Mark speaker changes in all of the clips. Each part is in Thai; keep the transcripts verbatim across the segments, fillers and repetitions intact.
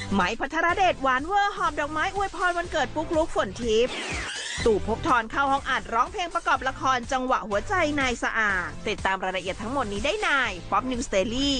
Speaker 1: ไหมภัทรเดชหวานเวอร์หอบดอกไม้อวยพรวันเกิดปุ๊กลุกฝนทิพย์ตู่ภพธรเข้าห้องอัดร้องเพลงประกอบละครจังหวะหัวใจนายสะอาดติดตามรายละเอียดทั้งหมดนี้ได้ในป๊อปนิวส์เดลี่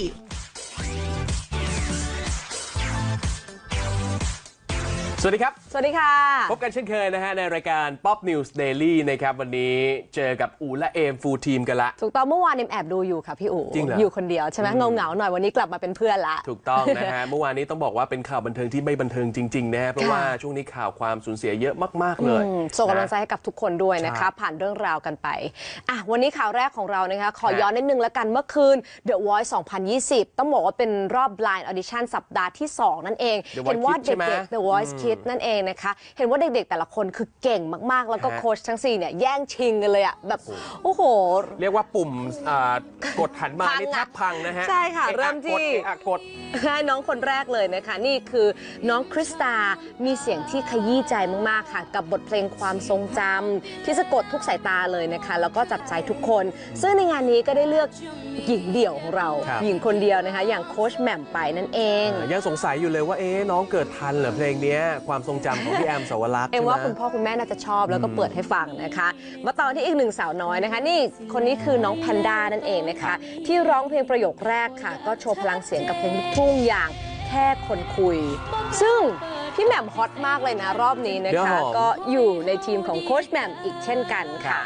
Speaker 2: สวัสดีครับ
Speaker 3: สวัสดีค่ะ
Speaker 2: พบกันเช่นเคยนะฮะในรายการ Pop News Daily นะครับวันนี้เจอกับอูและเอมฟูลทีมกันละ
Speaker 3: ถูกต้องเมื่อวานเอมแอบดูอยู่ค่ะพี่อู๋
Speaker 2: จริงเหรอ
Speaker 3: อยู่คนเดียวใช่ไหมเงาเงาหน่อยวันนี้กลับมาเป็นเพื่อนละ
Speaker 2: ถูกต้องนะฮะ เมื่อวานนี้ต้องบอกว่าเป็นข่าวบันเทิงที่ไม่บันเทิงจริงๆนะฮะเพราะว่าช่วงนี้ข่าวความสูญเสียเยอะมากๆเลย
Speaker 3: ส่งกำลังใจให้กับทุกคนด้วยนะคะผ่านเรื่องราวกันไปอ่ะวันนี้ข่าวแรกของเรานะคะขอย้อนนิดนึงแล้วกันเมื่อคืน The Voice สองพันยี่สิบต้องบอกว่าเป็นรอบ Blind Audition สัปดาห์ที่สองนั่นเองเห็นว่าเด็กๆ The Voice Kids นั่นเองนะคะเห็นว่าเด็กๆแต่ละคนคือเก่งมากๆแล้วก็โค้ชทั้งสี่เนี่ยแย่งชิงกันเลยอ่ะแบบโอ้โห
Speaker 2: เรียกว่าปุ่มกดหันมานี่แทบพังนะฮะ
Speaker 3: ใช่ค่ะเริ่มที่
Speaker 2: กด
Speaker 3: ให้น้องคนแรกเลยนะคะนี่คือน้องคริสตามีเสียงที่ขยี้ใจมากๆค่ะกับบทเพลงความทรงจำที่สะกดทุกสายตาเลยนะคะแล้วก็จับใจทุกคนซึ่งในงานนี้ก็ได้เลือกหญิงเดี่ยวของเราหญิงคนเดียวนะคะอย่างโค้ชแหม่มไปนั่นเอง
Speaker 2: ยังสงสัยอยู่เลยว่าเอ๊ะน้องเกิดทันเหรอเพลงนี้ความทรงจำของพี่แอมสาวรักษ์
Speaker 3: เอ็มว่าคุณพ่อคุณแม่น่าจะชอบแล้วก็เปิดให้ฟังนะคะมาต่อที่อีกหนึ่งสาวน้อยนะคะนี่คนนี้คือน้องแพนด้านั่นเองนะคะที่ร้องเพลงประโยคแรกค่ะก็โชว์พลังเสียงกับเพลงลูกทุ่งอย่างแค่คนคุยซึ่งพี่แหม่มฮอตมากเลยนะรอบนี้นะคะก็อยู่ในทีมของโค้ชแหม่มอีกเช่นกันค่ะ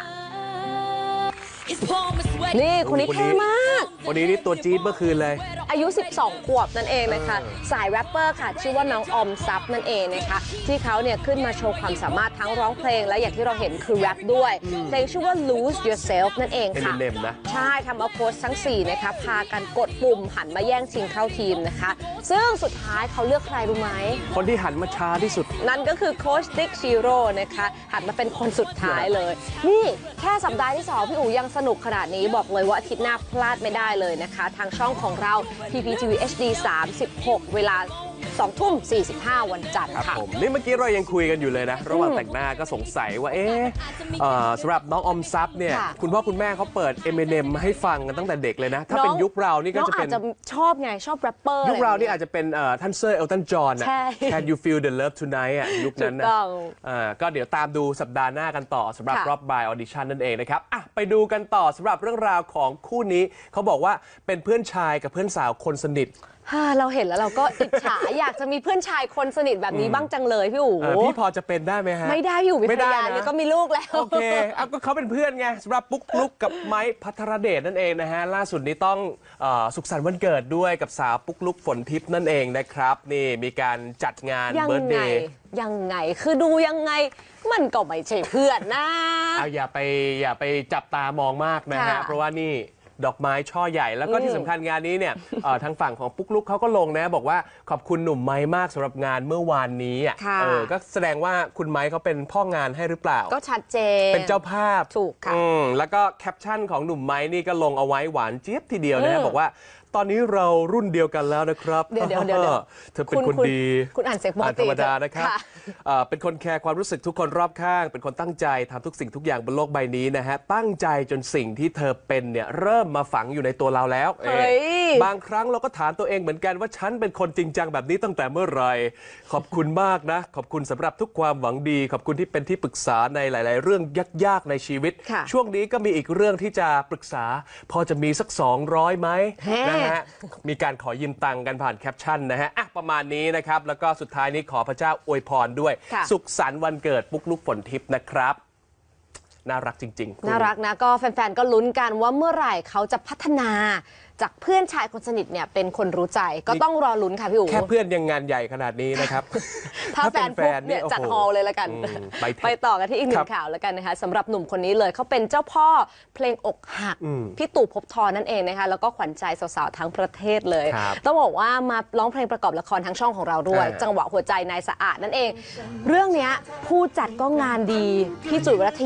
Speaker 3: นี่คนนี้เท่มาก
Speaker 2: วันนี้นี่ตัวจี๊ดเมื่อคืนเลย
Speaker 3: อายุสิบสองขวบนั่นเองนะคะสายแรปเปอร์ค่ะชื่อว่าน้องออมซับนั่นเองนะคะที่เขาเนี่ยขึ้นมาโชว์ความสามารถทั้งร้องเพลงและอย่างที่เราเห็นคือแรปด้วยเพลงชื่อว่า Lose Yourself นั่นเองค่ะใช่ทำเอาโค้ชทั้งสี่นะคะพากันกดปุ่มหันมาแย่งชิงเข้าทีมนะคะซึ่งสุดท้ายเขาเลือกใครรู้ไหม
Speaker 2: คนที่หันมาช้าที่สุด
Speaker 3: นั่นก็คือโค้ชติ๊กชิโร่นะคะหันมาเป็นคนสุดท้ายเลยนี่แค่สัปดาห์ที่สองพี่อู๋ยังสนุกขนาดนี้บอกเลยว่าอาทิตย์หน้าพลาดไม่ได้เลยนะคะทางช่องของเรา พี พี ที วี เอช ดี สามสิบหกเวลาสองทุ่มสี่สิบห้าวันจันทร์ค่ะ
Speaker 2: ผมนี่เมื่อกี้เรายังคุยกันอยู่เลยนะระหว่างแต่งหน้าก็สงสัยว่าเอ๊ะสำหรับน้องออมซับเนี่ยคุณพ่อคุณแม่เขาเปิด Eminem ให้ฟังกันตั้งแต่เด็กเลยนะถ้าเป็นยุคเรานี่ก็จะเป็น
Speaker 3: น้องอาจจะชอบไงชอบแรปเปอร์
Speaker 2: ยุคเรานี่อาจจะเป็นท่านเซอร์เอลตันจอห์น Can you feel the love tonight อ่ะยุคนั้นนะก็เดี๋ยวตามดูสัปดาห์หน้ากันต่อสำหรับรอบ Blind Audition นั่นเองนะครับอ่ะไปดูกันต่อสำหรับเรื่องราวของคู่นี้เขาบอกว่าเป็นเพื่อนชายกับเพื่อนสาวคนสนิท
Speaker 3: เราเห็นแล้วเราก็อิจฉา อยากจะมีเพื่อนชายคนสนิทแบบนี้บ้างจังเลยพี่อู๋
Speaker 2: พี่พอจะเป็นได้ไหมฮะ
Speaker 3: ไม่ได้พี่อู๋มีภรรยาแล้วก็มีลูกแล้ว
Speaker 2: โอเคเอาก็เขาเป็นเพื่อนไงสำหรับปุ๊กลุกกับไม้ภัทรเดชนั่นเองนะฮะล่าสุดนี้ต้องสุขสันต์วันเกิดด้วยกับสาวปุ๊กลุกฝนทิพย์นั่นเองนะครับนี่มีการจัดงานเบิร์ธเดย์
Speaker 3: ยังไงคือดูยังไงมันก็ไม่ใช่เพื่อนนะ
Speaker 2: เอาอย่าไปอย่าไปจับตามองมากนะฮะเพราะว่านี่ดอกไม้ช่อใหญ่แล้วก็ที่สำคัญงานนี้เนี่ยทางฝั่งของปุ๊กลุกเขาก็ลงนะบอกว่าขอบคุณหนุ่มไม้มากสำหรับงานเมื่อวานนี้อ่ะเออก็แสดงว่าคุณไม้เขาเป็นพ่องานให้หรือเปล่า
Speaker 3: ก็ชัดเจน
Speaker 2: เป็นเจ้าภาพ
Speaker 3: ถูกค่ะ
Speaker 2: แล้วก็แคปชั่นของหนุ่มไม้นี่ก็ลงเอาไว้หวานเจี๊ยบทีเดียวนะบอกว่าตอนนี้เรารุ่นเดียวกันแล้วนะครับ
Speaker 3: เดี๋ยวเดี๋ยวเดี๋ยว
Speaker 2: เธอเป็นคนดี
Speaker 3: คุณอ่านเสียงปกติ
Speaker 2: ธรรมดานะครับเป็นคนแคร์ความรู้สึกทุกคนรอบข้างเป็นคนตั้งใจทำทุกสิ่งทุกอย่างบนโลกใบนี้นะฮะตั้งใจจนสิ่งที่เธอเป็นเนี่ยเริ่มมาฝังอยู่ในตัวเราแล้วบางครั้งเราก็ถามตัวเองเหมือนกันว่าฉันเป็นคนจริงจังแบบนี้ตั้งแต่เมื่อไหร่ขอบคุณมากนะขอบคุณสำหรับทุกความหวังดีขอบคุณที่เป็นที่ปรึกษาในหลายๆเรื่องยากๆในชีวิตช่วงนี้ก็มีอีกเรื่องที่จะปรึกษาพอจะมีสักสองร้อยไหมนะมีการขอยืมตังค์กันผ่านแคปชั่นนะฮะอ่ะประมาณนี้นะครับแล้วก็สุดท้ายนี้ขอพระเจ้าอวยพรด้วยสุขสันต์วันเกิดปุ๊กลุกฝนทิพย์นะครับน่ารักจริง
Speaker 3: ๆน่ารักนะก็แฟนๆก็ลุ้นกันว่าเมื่อไหร่เขาจะพัฒนาจากเพื่อนชายคนสนิทเนี่ยเป็นคนรู้ใจก็ต้องรอลุ้นค่ะพี่อู๋
Speaker 2: แค่เพื่อนยังงานใหญ่ขนาดนี้นะครับ
Speaker 3: ถ้าแฟนปุ๊บเนี่ยจัดฮอลเลยละกันไปต่อกันที่อีกหนึ่งข่าวแล้วกันนะคะสำหรับหนุ่มคนนี้เลยเขาเป็นเจ้าพ่อเพลงอกหักพี่ตู่ภพธรนั่นเองนะคะแล้วก็ขวัญใจสาวๆทั้งประเทศเลยต้องบอกว่ามาร้องเพลงประกอบละครทั้งช่องของเราด้วยจังหวะหัวใจนายสะอาดนั่นเองเรื่องนี้ผู้จัดก็งานดีพี่จุ๋ยวรัตยา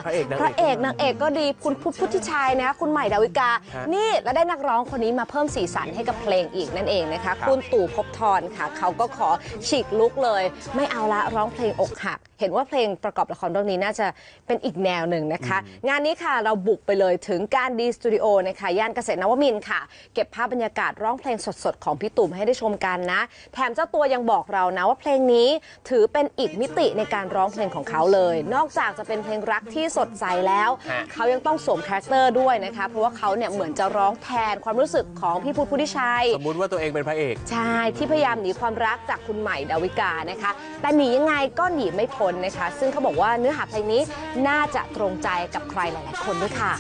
Speaker 2: พระเอกนางเอก
Speaker 3: พระเอกนางเอกก็ดีคุณพุทธพุทธิชัยนะคุณใหม่ดาวิกา
Speaker 2: ฮะ
Speaker 3: นี่แล้วได้นักร้องคนนี้มาเพิ่มสีสันให้กับเพลงอีกนั่นเองนะคะคุณตู่ภพบทรค่ะเขาก็ขอฉีกลุกเลย ไม่เอาละร้องเพลงอกหัก เห็นว่าเพลงประกอบละครเรื่องนี้น่าจะเป็นอีกแนวหนึ่งนะคะ งานนี้ค่ะเราบุกไปเลยถึงการดีสตูดิโอนะคะย่านเกษตรนวมินทร์ค่ะ เก็บภาพบรรยากาศร้องเพลงสดๆของพี่ตู่ให้ได้ชมกันนะ แถมเจ้าตัวยังบอกเรานะว่าเพลงนี้ถือเป็นอีกมิติในการร้องเพลงของเขาเลย นอกจากจะเป็นเพลงรักที่สดใสแล้ว
Speaker 2: ฮะ
Speaker 3: เขายังต้องสวมคาแรคเตอร์ด้วยนะคะเพราะว่าเขาเนี่ยเหมือนจะร้องแทนความรู้สึกของพี่พุทธพุทธิชัย
Speaker 2: สมมุติว่าตัวเองเป็นพระเอก
Speaker 3: ใช่ ที่พยายามหนีความรักจากคุณใหม่ดาวิกานะคะ แต่หนียังไงก็หนีไม่พ้นนะคะ ซึ่งเขาบอกว่าเนื้อหาเพลงนี้น่าจะตรงใจกับใครหลายๆคนด้วยค่ะ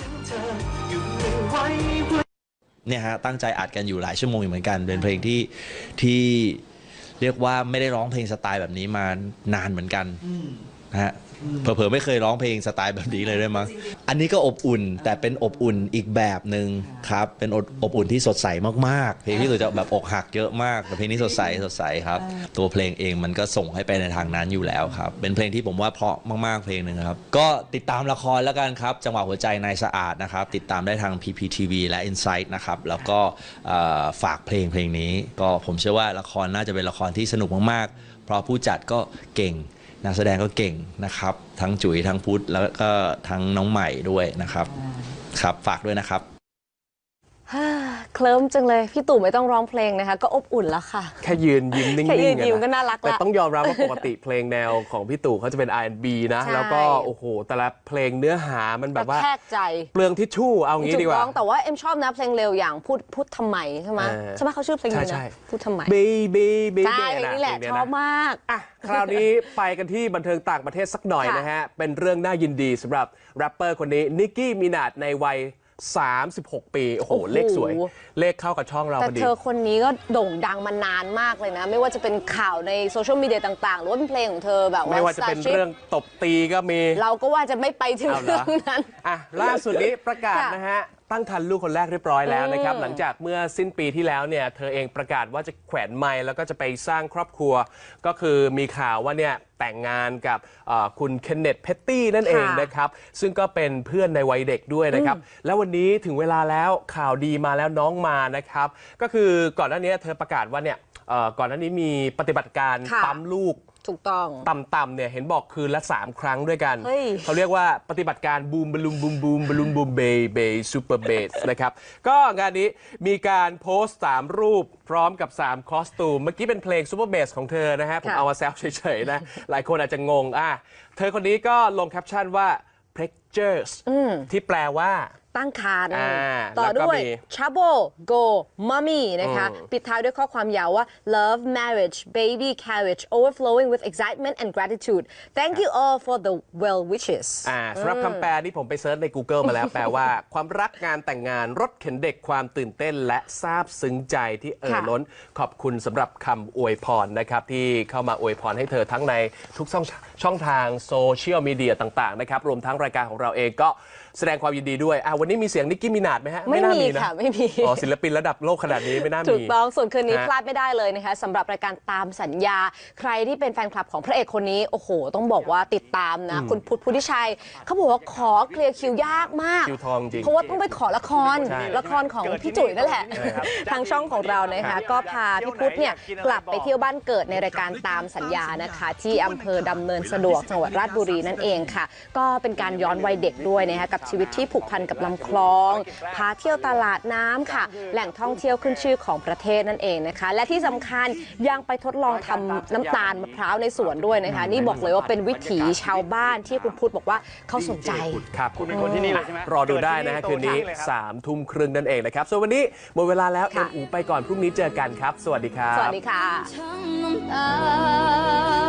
Speaker 4: เนี่ยฮะตั้งใจอัดกันอยู่หลายชั่วโมงอยู่เหมือนกันเป็นเพลงที่ที่เรียกว่าไม่ได้ร้องเพลงสไตล์แบบนี้มานานเหมือนกันนะฮะเผลอๆไม่เคยร้องเพลงสไตล์แบบนี้เลยด้วยมั้งอันนี้ก็อบอุ่นแต่เป็นอบอุ่นอีกแบบหนึ่งครับเป็นอบอุ่นที่สดใสมากๆเพลงที่เราจะแบบอกหักเยอะมากแต่เพลงนี้สดใสสดใสครับตัวเพลงเองมันก็ส่งให้ไปในทางนั้นอยู่แล้วครับเป็นเพลงที่ผมว่าเพราะมากๆเพลงหนึ่งครับก็ติดตามละครแล้วกันครับจังหวะหัวใจนายสะอาดนะครับติดตามได้ทาง พี พี ที วี และ Insight นะครับแล้วก็ฝากเพลงเพลงนี้ก็ผมเชื่อว่าละครน่าจะเป็นละครที่สนุกมากๆเพราะผู้จัดก็เก่งนักแสดงก็เก่งนะครับทั้งจุ๋ยทั้งพุทธแล้วก็ทั้งน้องใหม่ด้วยนะครับครับฝากด้วยนะครับ
Speaker 3: เคลิ้มจังเลยพี่ตู่ไม่ต้องร้องเพลงนะคะก็อบอุ่นแล้วค่ะ
Speaker 2: แค่ยืนยิ้มนิ่งๆ
Speaker 3: แค่ยืนยิ้ม
Speaker 2: อะะ
Speaker 3: ก็น่ารัก
Speaker 2: แต่
Speaker 3: ละ
Speaker 2: ต้องยอมรับว่าปกติเพลงแนวของพี่ตู่เขาจะเป็น อาร์ แอนด์ บี นะ
Speaker 3: ใช่
Speaker 2: แล้วก็โอ้โหแต่ละเพลงเนื้อหามันแบบว่า
Speaker 3: แทกใจ
Speaker 2: เปลืองทิชชู่เอางี้
Speaker 3: ถู
Speaker 2: ดี
Speaker 3: ก
Speaker 2: กว่า
Speaker 3: ต้องแต่ว่าเอ็มชอบนะเพลงเร็วอย่างพูดพูดทำไมใช่ไหม
Speaker 2: เออ
Speaker 3: ใช่ไหมเขาชื่อเพลงนี้
Speaker 2: ใช่
Speaker 3: นะ
Speaker 2: ใช่
Speaker 3: พูดทำไม
Speaker 2: baby baby
Speaker 3: ใช่เพลงนี้แหละชอบมาก
Speaker 2: อ่ะคราวนี้ไปกันที่บันเทิงต่างประเทศสักหน่อย
Speaker 3: ค่ะ
Speaker 2: นะฮะ เป็นเรื่องน่ายินดีสำหรับแรปเปอร์คนนี้นิกกี้มินาจในวัย สามสิบหก ปี โอ้โห
Speaker 3: โอ้โห
Speaker 2: เลขสวย เลขเข้ากับช่องเรา
Speaker 3: แต่
Speaker 2: พอดี
Speaker 3: เธอคนนี้ก็โด่งดังมานานมากเลยนะ ไม่ว่าจะเป็นข่าวในโซเชียลมีเดียต่างๆ หรือว่าเป็นเพลงของเธอแบบว่า
Speaker 2: ไม่ว่าจะเป็นเรื่องตบตีก็มี
Speaker 3: เราก็ว่าจะไม่ไปถึง
Speaker 2: เอาเหร
Speaker 3: เรื่
Speaker 2: อ
Speaker 3: องนั้น
Speaker 2: อ่ะล่าสุดนี้ประกาศ
Speaker 3: ค่ะ
Speaker 2: นะฮะ ตั้งครรภ์ลูกคนแรกเรียบร้อยแล้วนะครับ
Speaker 3: อืม
Speaker 2: หลังจากเมื่อสิ้นปีที่แล้วเนี่ย เธอเองประกาศว่าจะแขวนไมค์แล้วก็จะไปสร้างครอบครัว ก็คือมีข่าวว่าเนี่ยแต่งงานกับเอ่อคุณเคนเนตเพตตี้นั่นเองนะครับ ซึ่งก็เป็นเพื่อนในวัยเด็กด้วยนะครับ แล้ววันนี้ถึงเวลาแล้วข่าวดีมาแล้วน้องมานะครับ ก็คือก่อนหน้านี้เธอประกาศว่าเนี่ยเอ่อก่อนหน้านี้มีปฏิบัติการ
Speaker 3: ค่ะ
Speaker 2: ปั๊มลูก
Speaker 3: ถูกต้อง
Speaker 2: ต่ำๆเนี่ยเห็นบอกคืนละ สาม ครั้งด้วยกัน
Speaker 3: เฮ้ย
Speaker 2: เขาเรียกว่าปฏิบัติการบูมบลูมบูมบูมบลูมบูมเบย์เบย์ซูเปอร์เบสนะครับ ก็งานนี้มีการโพสต์สามรูปพร้อมกับสามคอสตูม เมื่อกี้เป็นเพลงซูเปอร์เบสของเธอนะฮะ ผม
Speaker 3: ค่ะ
Speaker 2: เอามาแซวเฉยๆนะ หลายคนอาจจะงงอ่ะเธอคนนี้ก็ลงแคปชั่นว่า prectures ที่แปลว่า
Speaker 3: ตั้งครรภ์
Speaker 2: อ่า
Speaker 3: ต่อ
Speaker 2: แล้วก็
Speaker 3: ด้วย
Speaker 2: มี
Speaker 3: trouble go mommy นะคะ
Speaker 2: อืม
Speaker 3: ปิดท้ายด้วยข้อความยาวว่า love marriage baby carriage overflowing with excitement and gratitude thank you all for the well wishes
Speaker 2: อ่าสำหรับคำแปลนี่ผมไปเซิร์ชใน Google มาแล้ว แปลว่า ความรักงานแต่งงานรถเข็นเด็กความตื่นเต้นและซาบซึ้งใจที่เอ่อ
Speaker 3: ค่ะ
Speaker 2: ล้นขอบคุณสำหรับคำอวยพรนะครับ ที่เข้ามาอวยพรให้เธอทั้งในทุกช่องช่องทางโซเชียลมีเดียต่างๆนะครับรวมทั้งรายการของเราเองก็แสดงความยินดีด้วยอ่ะวันนี้มีเสียงนิกกี้มินาจไหมฮะ
Speaker 3: ไม่
Speaker 2: น่า
Speaker 3: มี
Speaker 2: นะ
Speaker 3: ค่ะไม่มี
Speaker 2: อ๋อศิลปินระดับโลกขนาดนี้ไม่น่ามี
Speaker 3: ถูกต้องส่วนคืนนี้
Speaker 2: ฮะ
Speaker 3: พลาดไม่ได้เลยนะคะสำหรับรายการตามสัญญา ใครที่เป็นแฟนคลับของพระเอกคนนี้ โอ้โห ต้องบอกว่าติดตามนะ คุณพุทธพุทธิชัย เขาบอกว่าขอเคลียร์คิวยากมาก
Speaker 2: คิวทองจริง
Speaker 3: เพราะว่าต้องไปขอละคร
Speaker 2: ใช่
Speaker 3: ละครของพี่จุ๋ยนั่นแหละ ทางช่องของเรานะคะ ก็พาพี่พุทธเนี่ยกลับไปเที่ยวบ้านเกิดในรายการตามสัญญานะคะ ที่อำเภอดำเนินสะดวกจังหวัดราชบุรีนั่นเองค่ะ ก็เป็นการย้อนวัยเด็กด้วยนะคะกับชีวิตที่ผูกพันกับลำคลอง พาเที่ยวตลาดน้ำค่ะ แหล่งท่องเที่ยวขึ้นชื่อของประเทศนั่นเองนะคะ และที่สำคัญยังไปทดลองทำน้ำตาลมะพร้าวในสวนด้วยนะคะ นี่บอกเลยว่าเป็นวิถีชาวบ้านที่คุณพุทธบอกว่าเขาสนใจ
Speaker 2: ครับ
Speaker 5: คุณเป็นคนที่นี่เลยใช่ไหม
Speaker 2: รอดูได้นะฮะคืนนี้
Speaker 5: โตที่เลยครับ
Speaker 2: สามทุ่มครึ่งนั่นเองนะครับ ส่วนวันนี้หมดเวลาแล้ว
Speaker 3: ค่ะ
Speaker 2: เอ็มอูไปก่อนพรุ่งนี้เจอกันครับ สวัสดีครับ
Speaker 3: สวัสดีค่ะ
Speaker 6: ทั้งน้ำตา